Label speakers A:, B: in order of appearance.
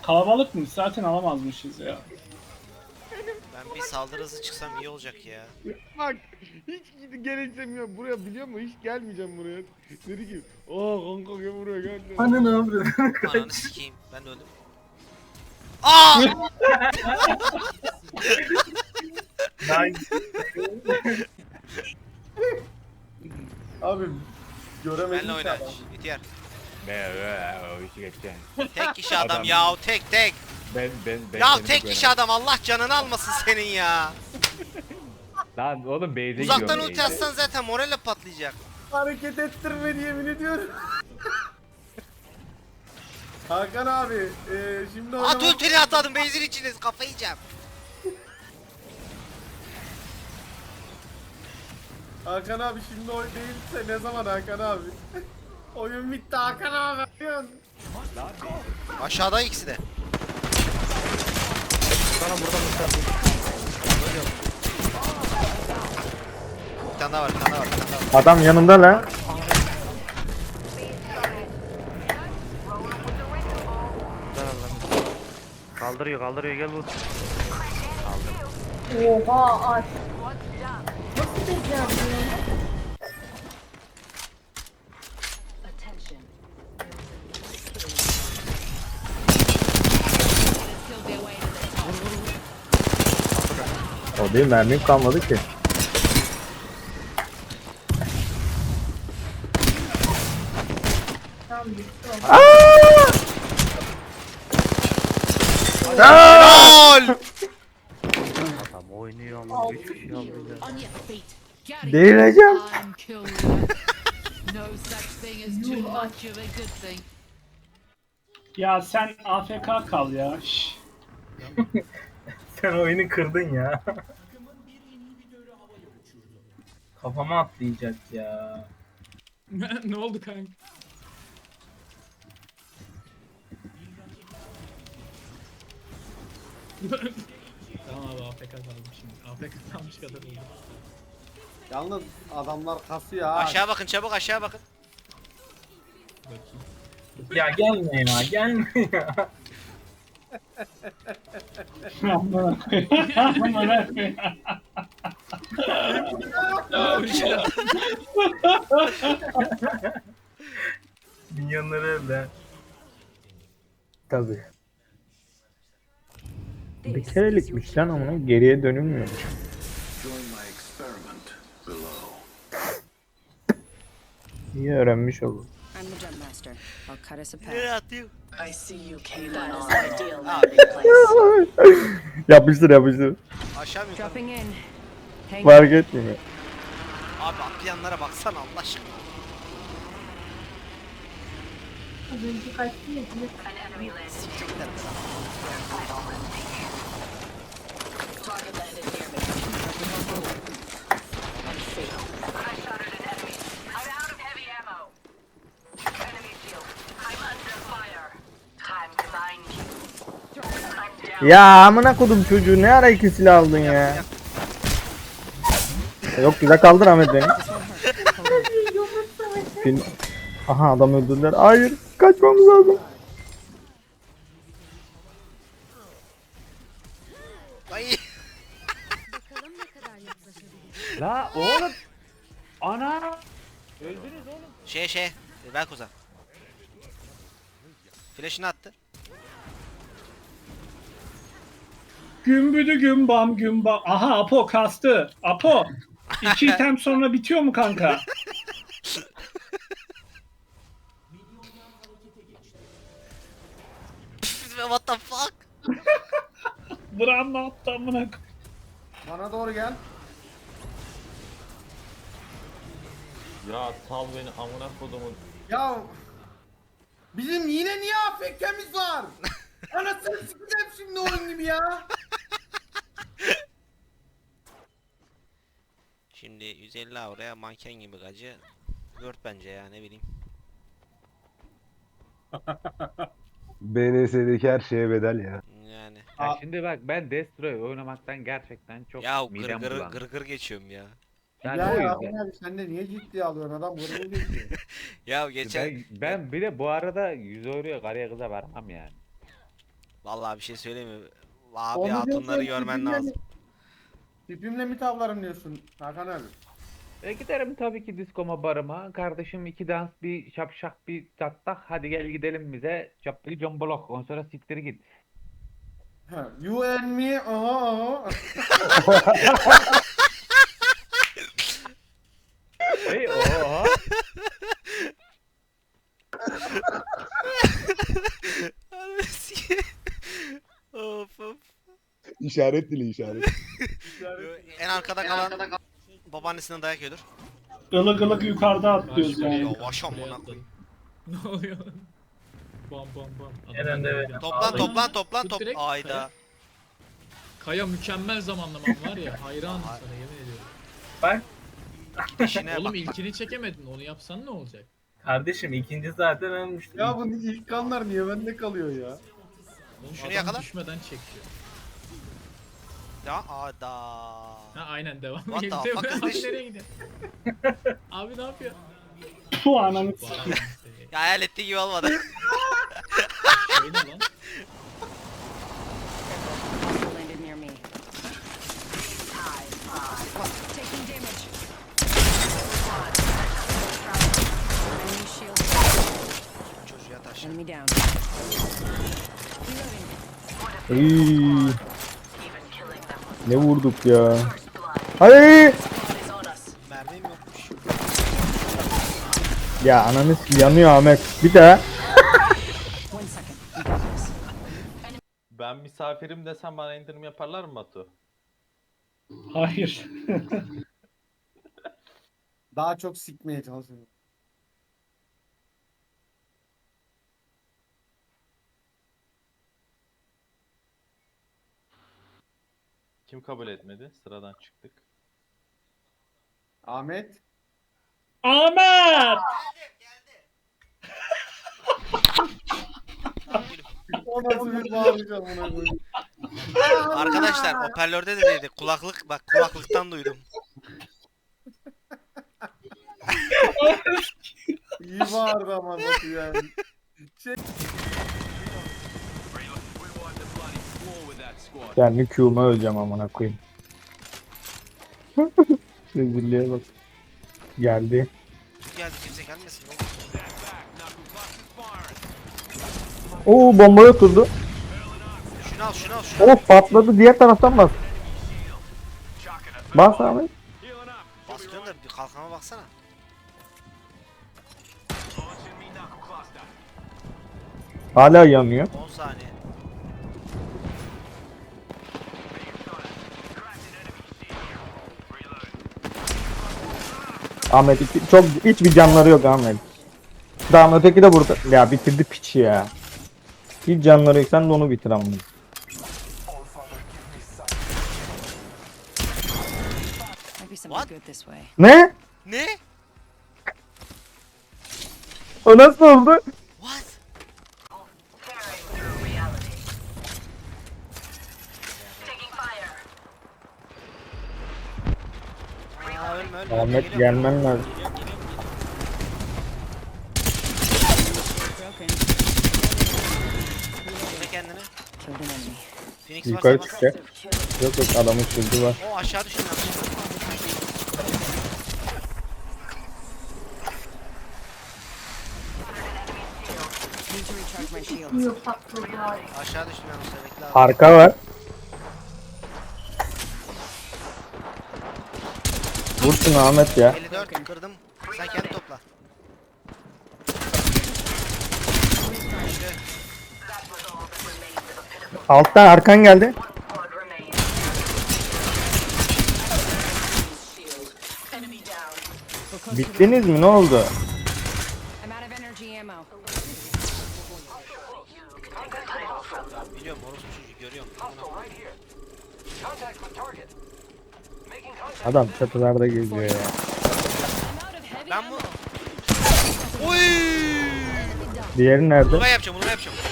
A: Kalabalıkmış zaten alamazmışız ya.
B: Ben bir saldırı hızı çıksam iyi olacak ya.
C: Bak hiç gel istemiyorum buraya biliyor musun? Hiç gelmeyeceğim buraya. Dedi ki kanka gel buraya gel.
D: Hani ne yapıyorsun?
B: Ananı sikeyim. Ben de öldüm. Aa!
D: Abi göremedim
B: Benle
D: ki
B: oyna.
D: adam.
B: İhtiyar.
C: O işi geçeceğim.
B: Tek kişi adam
C: Adam.
B: ya, tek.
C: Ben
B: Ya
C: seni
B: tek
C: bu
B: kişi adam, Allah canını almasın senin ya.
C: Lan oğlum base'e
B: Uzaktan
C: gidiyorum,
B: ulti
C: base'e.
B: atsan zaten morale patlayacak.
D: Hareket ettirme yemin ediyorum. Hakan abi şimdi
B: At
D: oynamak...
B: ultini atladım, base'in içine kafayı yiyeceğim.
D: Hakan abi şimdi oyun değilse ne zaman Hakan abi? Oyun bitti Hakan abi.
B: Aşağıda ikisi de. Bir tane daha var, bir tane daha var, bir tane daha var.
E: Adam yanımda lan.
F: Kaldırıyor gel vur.
G: Oha aç. Nasıl becereceğim bunu?
E: O değil, mermim kalmadı ki.
G: Tamam bitti o.
B: Gol!
F: Adam oynuyor ama hiçbir şey almıyor.
H: On your feet. Gary,
E: Delireceğim.
H: I'm kill you. No such thing as too much of a good thing.
A: Ya sen AFK kal ya. Şş.
D: Sen oyunu kırdın ya. Kafama atlayacak ya.
I: Ne oldu kanka? Tamam abi AFK kaldım şimdi. AFK kalmış kadar oldu.
D: Yalnız adamlar kasıyor ha.
B: Aşağı bakın, çabuk aşağı bakın.
I: Bakayım.
D: Ya gelme ya gelme ya.
A: Amına koyayım. Amına koyayım.
D: Milyonları elde.
E: Tabii. Bir kerelikmiş lan ama geriye dönülmüyormuş. İyi öğrenmiş oldum.
J: I'm the jump master. I'll cut us a path.
B: Nereye atıyor?
J: I see you came on ideal landing place.
E: Yapıştır yapıştır.
B: Aşağı mı yukarı?
J: Dropping in. Hang
E: Fark etmiyor.
B: Abi atlayanlara baksana Allah aşkına.
G: Az önce kaçtı ya.
B: Sikecekler beni.
J: target landed near me.
E: Ya amına kodum çocuğu, ne ara iki silah aldın ya? Yok güzel kaldır Ahmet beni. Film... Aha adam öldürdüler. Hayır kaçmamız lazım.
B: Ay.
C: La oğlum. Ana. Öldünüz oğlum.
B: Ver kuzen. Flash'ını attı.
A: Gümbüdü gümbam gümbam. Aha Apo kastı. Apo. 2 item sonra bitiyor mu kanka?
B: What the fuck?
A: Bram ne yaptı amına koyayım?
D: Bana doğru gel.
K: Ya sal beni amına kodumun.
D: Ya bizim yine niye AFK'miz var? Anasını sikeceğim şimdi oyun gibi ya.
B: Şimdi 150 avroya manken gibi gacı. Word bence ya, ne bileyim.
L: BNS'deki her şeye bedel ya.
B: Yani.
C: Ya şimdi bak ben Destroy oynamaktan gerçekten çok
B: Ya
C: midem bulandı.
B: gır geçiyorum ya.
C: Yani
D: Ya
C: o
D: ya
C: yüzden.
D: abi sen de niye ciddiye alıyorsun adam gurur geçiyor.
B: Ya geçen
C: Ben bir de bu arada 100 euroya karıya kıza vermem yani.
B: Vallahi bir şey söyleyeyim mi? Abi
D: Onu
B: hatunları
D: diyorsan
B: görmen
D: tipimle
B: lazım.
D: mi- Tipimle mi tavlarım diyorsun Hakan abi?
F: Giderim tabii ki diskoma barıma. Kardeşim 2 dans bir şapşak bir çattak. Hadi gel gidelim bize. Çaplı combolok. Ondan sonra siktir git.
D: Ha, you and me, aha.
F: Hey oha.
B: Of of.
C: İşaret dili işaret.
B: En arkada kalan babaannesinden dayak yiyordur.
A: Ilık ılık yukarıda atlıyoruz
I: Şuraya
A: yani.
B: Yavaş
I: atladım,
B: amına
I: buraya
B: koyayım.
I: atladım. Ne oluyor? Bam bam bam.
E: Eren de
I: Adamlar
B: Toplan
I: geldi.
B: toplan toplan
I: Tut
B: top.
I: direkt,
B: Ayda.
I: Kaya mükemmel zamanlaman var ya. Hayranım sana yemin ediyorum.
B: İşine
I: Oğlum
B: bak.
I: ilkini çekemedin. Onu yapsan ne olacak?
E: Kardeşim ikinci zaten ölmüştü.
D: Ya bu ilk kanlar niye bende kalıyor ya?
I: Oğlum
B: Şunu
I: adam
B: yakala.
I: düşmeden çekiyor.
B: Ya ada.
I: Ha aynen devam.
B: What the
I: Gidiyor.
B: fuck is
I: Abi
B: this?
I: nereye gidiyor? Abi ne yapıyor?
A: Şu ananı
I: Bu adam seni.
B: Ya hayal ettiği gibi olmadı.
I: Şey ne lan?
J: Landed near me. Taking damage. Enemy shield.
B: Çocuğa taş.
J: Enemy down.
E: Iy, ne vurduk ya. Hayır.
B: Mermim yokmuş.
E: Ya ananı yanıyor Ahmet. Bir daha.
J: 1 second. We got this.
K: Ben misafirim desem bana indirim yaparlar mı Batu?
A: Hayır.
D: Daha çok sikmeye çalışıyorum.
K: Kim kabul etmedi? Sıradan çıktık.
D: Ahmet.
A: Ahmet!
D: O nasıl bir bağıracağım ona koyayım.
B: Arkadaşlar hoparlörde de dedi. Kulaklık bak kulaklıktan duydum.
D: İyi bağırdı ama Batu yani.
E: Kendi Q'ma öleceğim amına koyayım. Rezilliğe bak. Geldi.
B: Geldi kimse gelmesin.
E: Oo bombaya oturdu.
B: Şunu al şunu al şunu.
E: Of patladı diğer taraftan bas. Bas Ahmet.
B: Basıyorsun da bir kalkana baksana.
E: Hala yanıyor.
B: 10 saniye.
E: Ahmet çok hiçbir canları yok Ahmet. Daha öteki de burada. Ya bitirdi piçi ya. Hiç canları yok sen de onu bitir amına.
J: Might be something good this way.
E: Ne?
B: Ne?
E: O nasıl oldu?
B: What? Aa, ölme ölme.
E: Ahmet
B: Geliyorum.
E: gelmen lazım.
J: Broken.
B: Bekle kendini.
J: Killed an enemy.
B: Phoenix
E: Yukarı
B: varsa bas.
E: çıkacak. Yok yok adamın sözü var.
B: O aşağı düşün lan.
J: Need to recharge my shields.
G: Yok patladı ya.
B: Aşağı düştüm ben o sırada bekle abi.
E: Arka var. Vursun Ahmet ya.
B: 54 kırdım. Sen kendi topla.
E: Alttan arkan geldi. Bittiniz mi? Ne oldu?
J: I'm out of energy ammo.
B: Biliyorum orospu çocuğu görüyorum.
E: Adam çatılarda geziyor ya.
J: I'm out of heavy
B: Ben
J: ammo.
B: bu... Oy!
E: Diğeri nerede?
B: Bunu ben yapacağım bunu ben yapacağım.